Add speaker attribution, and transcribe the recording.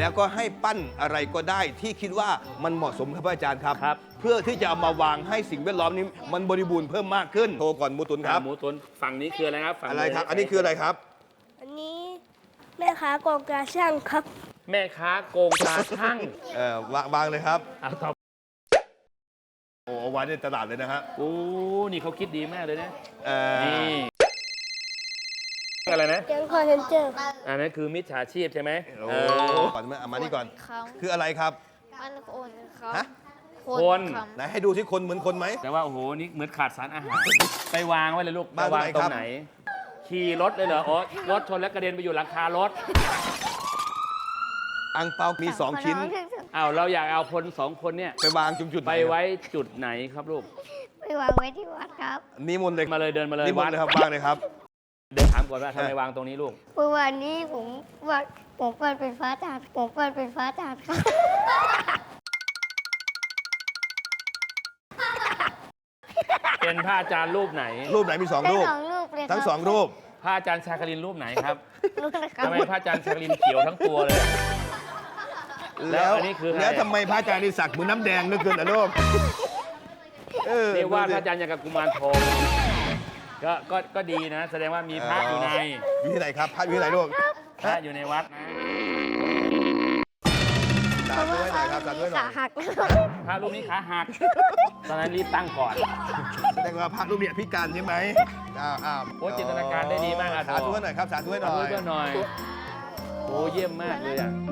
Speaker 1: แล้วก็ให้ปั้นอะไรก็ได้ที่คิดว่ามันเหมาะสมครับอาจารย์ครับ
Speaker 2: ครับ
Speaker 1: เพื่อที่จะเอามาวางให้สิ่งแวดล้อมนี้มันบริบูรณ์เพิ่มมากขึ้นโทรก่อนหมูตุนครับ
Speaker 2: หมูตุ๋นฝั่งนี้คืออะไรครับฝั่ง
Speaker 1: อะไรครับ อันนี้คืออะไรครับ
Speaker 3: อันนี้แม่ค้ากองกาช่างครับ
Speaker 2: แม่ค้าโกงตาช่าง
Speaker 1: วางเลยครับ
Speaker 2: เอาต่อ
Speaker 1: โอ้วางในตลาดเลยนะฮะ
Speaker 2: โอ้นี่เขาคิดดีมากเลยนะ
Speaker 1: เอ่อ
Speaker 2: นี่อะไรนะ
Speaker 3: แก๊งคอร์เซนเจอร์
Speaker 2: อันนั้นคือมิจฉาชีพใช่ไหม
Speaker 1: โอ้
Speaker 2: เออ
Speaker 1: ก่อนเอามานี่ก่อน
Speaker 4: เขา
Speaker 1: คืออะไรครับ
Speaker 4: มันคนเขา
Speaker 1: ฮะ
Speaker 2: คน
Speaker 4: เขา
Speaker 1: ไหนให้ดูที่คนเหมือนคนไหม
Speaker 2: แต่ว่าโอ้โหนี่เหมือนขาดสารอาหาร ไปวางไว้เลยลูก
Speaker 1: วาง
Speaker 2: ไปวาง
Speaker 1: ไหน
Speaker 2: ตร
Speaker 1: ครั
Speaker 2: ง
Speaker 1: บ
Speaker 2: ไหน ขี่รถเลยเหรออ๋อรถชนแล้วกระเด็นไปอยู่หลังคารถ
Speaker 1: อังเปามี 2 ชิ้น
Speaker 2: อ้าวเราอยากเอาคนสองคนเนี่ย
Speaker 1: ไปวางจุดๆหน
Speaker 2: ไปไว้จุดไหนครับลูก
Speaker 4: ไปวางไว้ที่วัดครับ
Speaker 1: นิมนต์เลย
Speaker 2: มาเลยเดินมาเลย
Speaker 1: นิมนต์เลยครับวางเลยครับ
Speaker 2: เดินถามก่อนว่าทำไมวางตรงนี้ลูก
Speaker 4: เมื่อวานนี้ผมเปิดเป็นฟ้าจาดผมเปิดเป็นฟ้าจาดครับ
Speaker 2: เป็นพระอาจารย์รูปไหน
Speaker 1: รูปไหนมี 2
Speaker 4: ทั้
Speaker 1: รู
Speaker 4: ง
Speaker 1: ป
Speaker 4: สองรูปเลยครับ
Speaker 1: ทั้ง 2 รูป
Speaker 2: พระอาจารย์ชาคลินรูปไหนครับ
Speaker 4: รูปนะครับ
Speaker 2: ทำไมพระอาจารย์ชาคลินเขียวทั้งตัวเลย แล้วอันนี้คืออะไร
Speaker 1: แล้วทำไมพระอาจารย์นี่สักเหมือนน้ำแดงนึกเกินอ่ะลูก
Speaker 2: เรียกว่าพ
Speaker 1: ดู
Speaker 2: ระ
Speaker 1: สิ
Speaker 2: อาจารย์อย่างกับกุมารทองก็ดีนะ แสดงว่ามีพระอยู่ใน
Speaker 1: อยู่ที่ไหนครับพระอยู่ที่ไหนลูก
Speaker 2: พระอยู่ในวัดนะ
Speaker 1: สาธุให้หน่อยครับสาธุให้หน่
Speaker 4: ขา
Speaker 1: อย
Speaker 4: หัก
Speaker 2: พระรูปนี้ขาหัก ตอนนั้นรีบตั้งก่อน
Speaker 1: แสดงว่าพระรูปเนี่ยพิการใช่ไหมอ้าว
Speaker 2: โอ้จินตนาการได้ดีมากอ่ะ
Speaker 1: สาธุให้หน่อยครับสาธุให้ห
Speaker 2: ขอ
Speaker 1: น่
Speaker 2: โท
Speaker 1: อ
Speaker 2: ษ
Speaker 1: ย
Speaker 2: ด้วยหน่อย โอ้เยี่ยมมากเลยอ่ะ